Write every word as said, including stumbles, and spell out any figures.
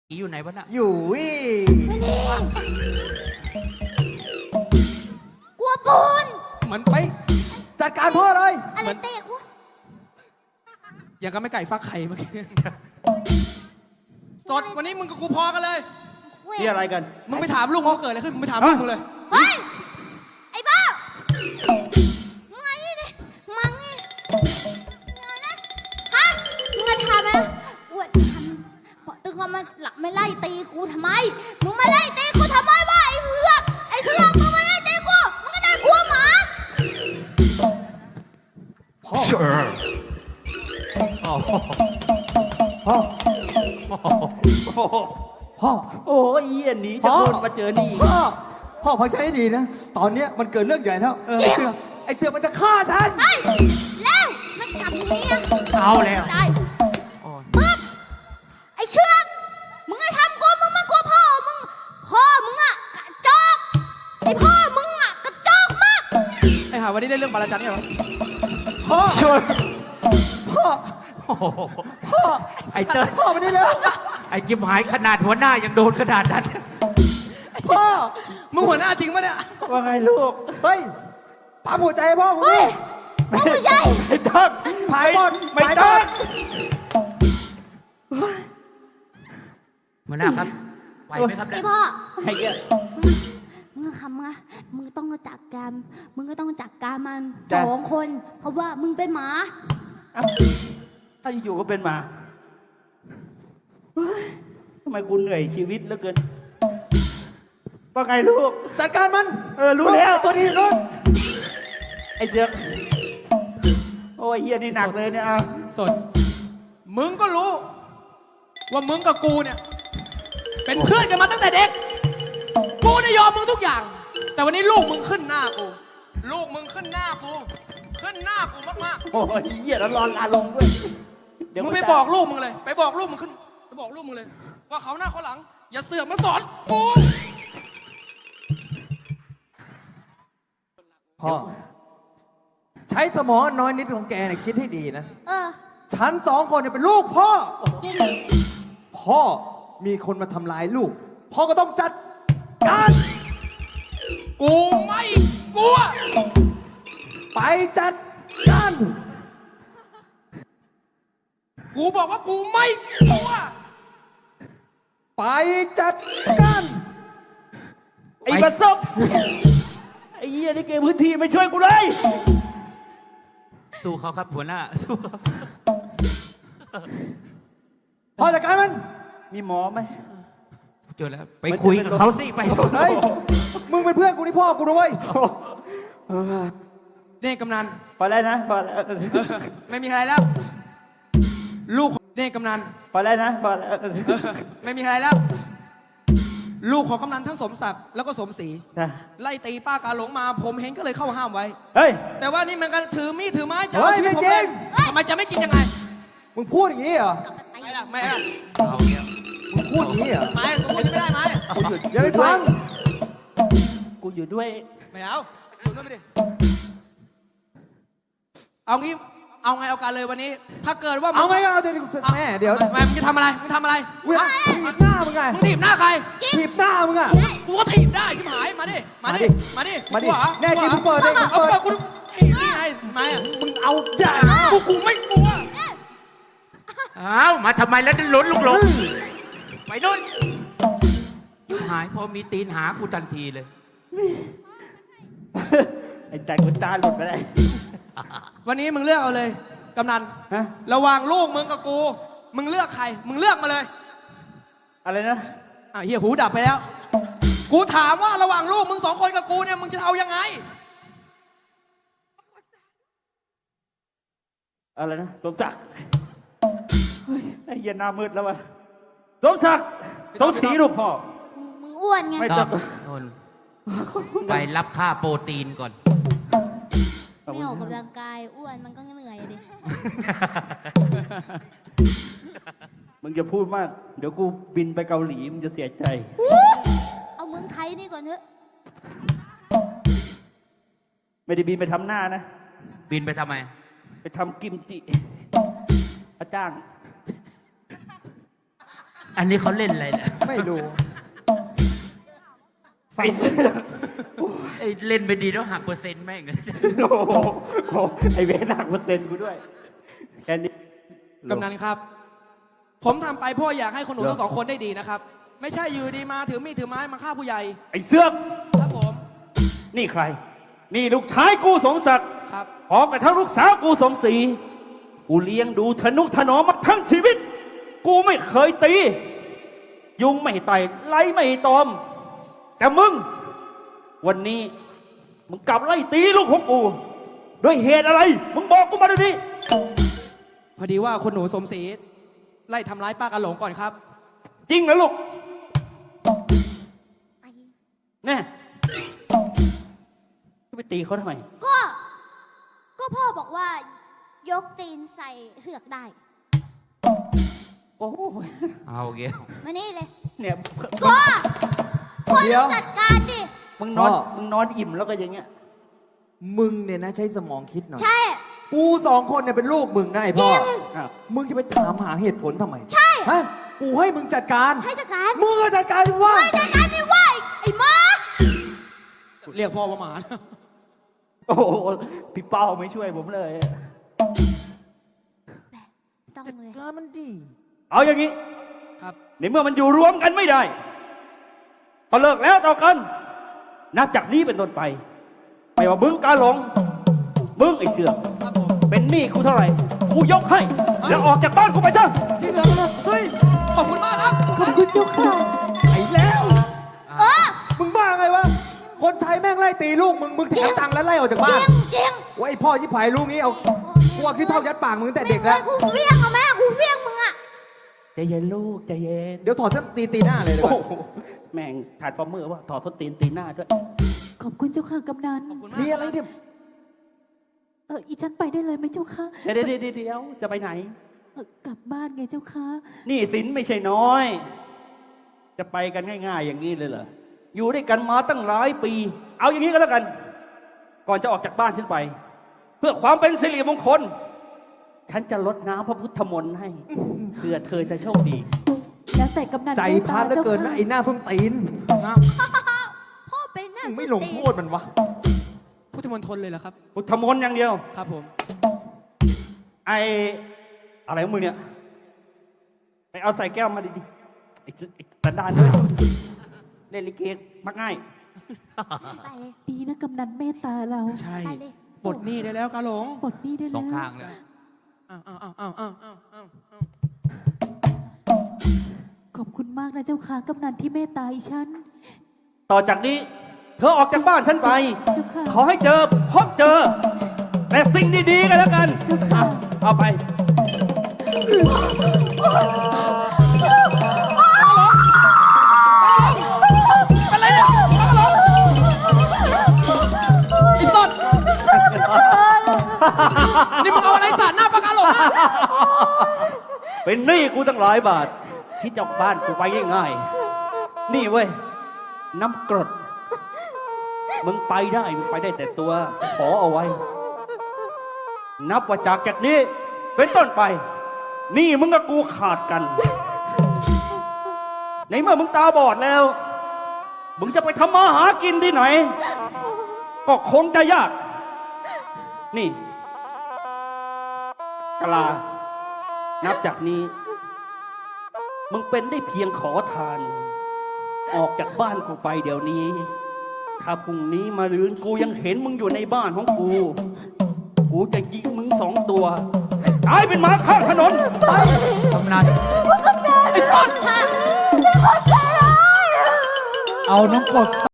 อีอยู่ไหนวะน่ะอยู่วิไม่นี่กลัวปูนมันไปจัดการพ่อเลยอะไรเตะกูอย่างกับไม่ไก่ฟักไข่เมื่อกี้สดวันนี้มึงกับกูพอกันเลยเว้ยนี่อะไรกันมึงไปถามลุงเขาเกิดอะไรขึ้นมึงไปถามลุงมึงเลยเฮ้ยไอ้บ้ามึงไงนี่ดิมังนี่อะไรนะฮะมึงมาทำไหมอวดทำปตึงว่ามาหลักไม่ไล่ตีกูทำไมมึงมาไล่ตีกูทำไมวะไอ้เผือกไอ้เผือกมึงมาไล่ตีกูมึงก็น่ากลัวหมาพ่อพ่อพ่อพ่อโอ้ยเยี่ยหนีจะโดนมาเจอนี่พ่อพ่อฟังฉันให้ดีนะตอนเนี้ยมันเกิดเรื่องใหญ่แล้วไอ้เสือไอ้เสือมันจะฆ่าฉันไอ้แล้วมันกลับเมียเอาแล้วได้ปึ๊บไอ้เชือกมึงไอ้ทำกูมึงมากลัวพ่อมึงพ่อมึงอะกระจอกไอ้พ่อมึงอะกระจอกมากไอ้ห่าวันนี้ได้เรื่องบาลาจันเนี่ยเหรอพ่อพ่อพ่อไอ้เติ้ลพ่อมาได้แล้วไอ้จิบหายขนาดหัวหน้ายังโดนขนาดนั้นพ่อมึงหัวหน้าจริงปะเนี่ยว่าไงลูกเฮ้ยปั๊มหัวใจให้พ่อกูเฮ้ยมึงไม่ใช่ไม่ต้องผายบอลไม่ต้องหัวหน้าครับไหวไหมครับไอ้เนี่ยพ่อไอ้เหี้ยมึงทำไงมึงต้องจัดการมึงก็ต้องจัดการมันจ้ะสองคน เพราะว่ามึงเป็นหมาเอ้าถ้าอยู่ๆก็เป็นหมาเฮ้ยทำไมกูเหนื่อยชีวิตเหลือเกินว่าไงลูกจัดการมันเออรู้แล้วตัวนี้นู้นไอ้เสือกโอ้ยเฮียนี่หนักเลยเนี่ยเอาสดมึงก็รู้ ว่ามึงกับกูเนี่ย เป็นเพื่อนกันมาตั้งแต่เด็ก กูเนี่ยยอมมึงทุกอย่าง แต่วันนี้ลูกมึงขึ้นหน้ากู ลูกมึงขึ้นหน้ากู ขึ้นหน้ากูมากโอ้ยเฮียแล้วร้อนลาลงด้วยเดี๋ยวๆมึงนไปจะบอกลูกมึงเลย ไปบอกลูกมึงขึ้น ไปบอกลูกมึงเลย ว่าเขาหน้าเขาหลัง อย่าเสือกมาสอนกูพ่อใช้สมองน้อยนิดของแกเนี่ยคิดให้ดีนะเออฉันสองคนเนี่ยเป็นลูกพ่อจริงพ่อมีคนมาทำลายลูก พ่อก็ต้องจัดการกูไม่กลัวไปจัดการกูบอกว่ากูไม่กลัวไปจัดการไอ้บัสซบไอ้เฮียนี่เกมพื้นที่ไม่ช่วยกูเลยสู้เขาครับหัวหน้าสู้เขาพ่อจัดการมันมีหมอไหมเจอแล้วไปคุยกับเขาสิไปเฮ้ย มึงเป็นเพื่อนกูนี่พ่อกูด้วยนี่กำนันพอแล้วนะพอแล้วเออไม่มีอะไรแล้ว ลูกนี่กำนันพอแล้วนะพอแล้วเออไม่มีอะไรแล้ว ลูกของกำนันทั้งสมศักดิ์แล้วก็สมศรีนะไล่ตีป้ากาหลงมา ผมเห็นก็เลยเข้าห้ามไว้เฮ้ยแต่ว่านี่มันก็ถือมีดถือไม้จะเฮ้เอายชีวิตไม่ผมจริเลยงทำไมจะไม่กินยังไงมึงพูดอย่างนี้เหรอกลับมาตีไม่ละไม่ละเอาเนี่ยมึงพูดอย่างนี้เหรอไม้กูจะไม่ได้ไม้กูหยุดอย่าไปฟังกูอยู่ด้วยไม่เอาดูนั่นไปดิเอางี้เอาไงเอาการเลยวันนี้ ถ้าเกิดว่ามึเอาไงก็เอาเดี๋ยวแม่เดี๋ยวไม่มึงจะทำอะไรมึงทำอะไรเว้ยฮะถีบหน้ามึงไงมึงถีบหน้าใครถีบหน้ามึงอะกูก็ถีบได้ชิบหายมาดิมาดิมาดิมาดิกลัวเหรอแน่จริงมึงเปิดดิมึงเอาเปิดเปิดกูถีบนี่ไงมาอ่ะมึงเอาจ่ากูกูไม่กลัวอ้าวมาทำไมแล้วล้นลูกหลงไปนู่นจิบหายพอมีตีนหากูทันทีเลยไอ้แต่กูตาหลุดไปเลยวันนี้มึงเลือกเอาเลยกำนันฮะระหว่างลูกมึงกับกู มึงเลือกใคร มึงเลือกมาเลยอะไรนะอ่ะเฮียหูดับไปแล้ว กูถามว่าระหว่างลูกมึงสองคนกับกูเนี่ยมึงจะเอายังไงอะไรนะสมศักดิ์เฮ้ยไอ้เหี้ยหน้ามืดแล้ววะสมศักดิ์สมศรีลูกพ่อมึงมึงอ้วนไงไม่คต้รัอบ งนนไปรับค่าโปรตีนก่อนไม่ออกกำลังกายอ้วนมันก็เหนื่อยอะดิมึงจะพูดมาก เดี๋ยวกูบินไปเกาหลีมึงจะเสียใจเอาเมืองไทยนี่ก่อนเถอะไม่ได้บินไปทำหน้านะบินไปทำไมไปทำกิมจิพระจ้างอันนี้เขาเล่นอะไรเนี่ยไม่รู้ไอ้เสือกไอ้เล่นไปดีแล้วหักเปอร์เซ็นต์แม่งโอ้โหโอ้โหไอ้เวรหนักเปอร์เซ็นต์กูด้วยแค่นี้กำนันครับ ผมทำไปเพ่ออยากให้คนหนูเหรอทั้งสองคนได้ดีนะครับ ไม่ใช่อยู่ดีมาถือมีดถือไม้มาฆ่าผู้ใหญ่ไอ้เสือกครับผมนี่ใคร นี่ลูกชายกูสมศักดิ์ครับพร้อมกับทั้งลูกสาวกูสมศรีกูเลี้ยงดูทนุถนอมมาทั้งชีวิต กูไม่เคยตี ยุงไม่ไต่ไล่ไม่ตอม แต่มึง วันนี้ มึงกลับไล่ตีลูกของกูด้วยเหตุอะไร มึงบอกกูมาเดี๋ยวนี้พอดีว่าคนหนูสมศรีไล่ทำร้ายป้ากระหลงก่อนครับจริงนะลูกแน่ไปตีเขาทำไมก็ ก็พ่อบอกว่ายกตีนใส่เสือกได้โอ้ยเอาเงี้ยมานี่เลยเนี่ยก็พ่อเดี๋ต้ยอวงจัดการดิมึงนอนพ่อมึงนอนอิ่มแล้วก็อย่างเงี้ยมึงเนี่ยนะใช้สมองคิดหน่อยใช่กูสองคนเนี่ยเป็นลูกมึงนะไอ้พ่อจริงอ่ะมึงจะไปถามหาเหตุผลทำไมใช่ฮะ กูให้มึงจัดการให้จัดการมึงก็จัดการดิว่าไม่จัดการไม่ไหวไอ้หมาเรียกพ่อว่าหมาโอ้โหพี่เป้าไม่ช่วยผมเลยต้องเลยการมันดีเอาอย่างนี้ครับในเมื่อมันอยู่รวมกันไม่ได้ ก็เลิกแล้วต่อกัน นับจากนี้เป็นต้นไป ไม่ว่ามึงกาหลง มึงไอ้เสือกครับผมเป็นหนี้กูเท่าไหร่ กูยกให้ แล้วออกจากบ้านกูไปซะที่เหลือเฮ้ย ขอบคุณมากครับขอบคุณเจ้าค่ะไอ้แล้วเออมึงบ้าไงวะ คนใช้แม่งไล่ตีลูกมึง มึงแถมตังค์แล้วไล่ออกจากจบ้ารินงจริงว่าไอ้พ่อชิบหายลูกนี้เอาพวกที่เท่ายัดปากมึงตั้งแต่เด็กแล้วไม่คยกูเฟี้ยงเอาแม่กูเฟี้ยงมึงอะใจเย็นลูกใจเย็นเดี๋ยวถอดเส้นตีตีหน้าเลยดีกโอ้ว่าโหแม่งถ่ายฟอร์มเมอร์ว่าถอดส้นตีนตีหน้าด้วยขอบคุณเจ้าค่ะกำนันขอบคุณมากมีอะไรเนี่ยเอออีฉันไปได้เลยไหมเจ้าค่ะเดี๋ยวเดี๋ยวเดี๋ยวเดี๋ยวจะไปไหนเออกลับบ้านไงเจ้าค่ะนี่สินไม่ใช่น้อย จะไปกันง่าย ๆ อย่างนี้เลยเหรอ อยู่ด้วยกันมาตั้งหลายปี เอาอย่างนี้ก็แล้วกัน ก่อนจะออกจากบ้านฉันไป เพื่อความเป็นสิริมงคล ฉันจะลดน้ำพระพุทธมนต์ให้ เพื่อเธอจะโชคดีแล้วแต่กำนันใจพัดเหลือเกินนะไอ้หน้าส้นตีนพ่อเป็นหน้ามึงส้ไม่นลงตีนโทษมันวะพุทธมณฑลเลยเหรอครับพุทธมนต์อย่างเดียวครับผมไออะไรของมึงเนี่ย ไปเอาใส่แก้วมาดิๆไอ้ไอ้สันดานด้วยเล่นลิเกมักง่ายไปเลยดีนะกำนันเมตตาเราใช่ไปเลยปลดหนี้ได้แล้วกาหลงปลดหนี้ได้สแล้วองข้างเลยอ้าวอ้าวอ้าวอ้าวอ้าวอ้าวอ้าวขอบคุณมากนะเจ้าค่ะกำนันที่เมตตาอีฉันต่อจากนี้ เธอออกจากบ้านฉันไปเจ้าค่ะขอให้เจอพบเจอ แต่สิ่งดีๆกันแล้วกันเจ้าค่ะเอาไปอะไรเนี่ยกาหลงไอ้ต้นนี่มึงเอาอะไรสาดหน้าปากกาหลงอะเป็นหนี้กูตั้งหลายบาท ที่จะออกบ้านกูไปง่ายๆนี่เว้ย น้ำกรด มึงไปได้ มึงไปได้แต่ตัว ขอเอาไว้ นับว่าจากจากนี้ เป็นต้นไป นี่มึงกับกูขาดกัน ในเมื่อมึงตาบอดแล้ว มึงจะไปทำมาหากินที่ไหน ก็คงจะยาก นี่กะลา นับจากนี้ มึงเป็นได้เพียงขอทาน ออกจากบ้านกูไปเดี๋ยวนี้ ถ้าพรุ่งนี้มารืนกูยังเห็นมึงอยู่ในบ้านของกู กูจะยิงมึงสองตัวตายเป็นหมาข้างถนนไปกำนันไอ้ต้นค่ะเป็นคนใจร้ายเอาน้องกด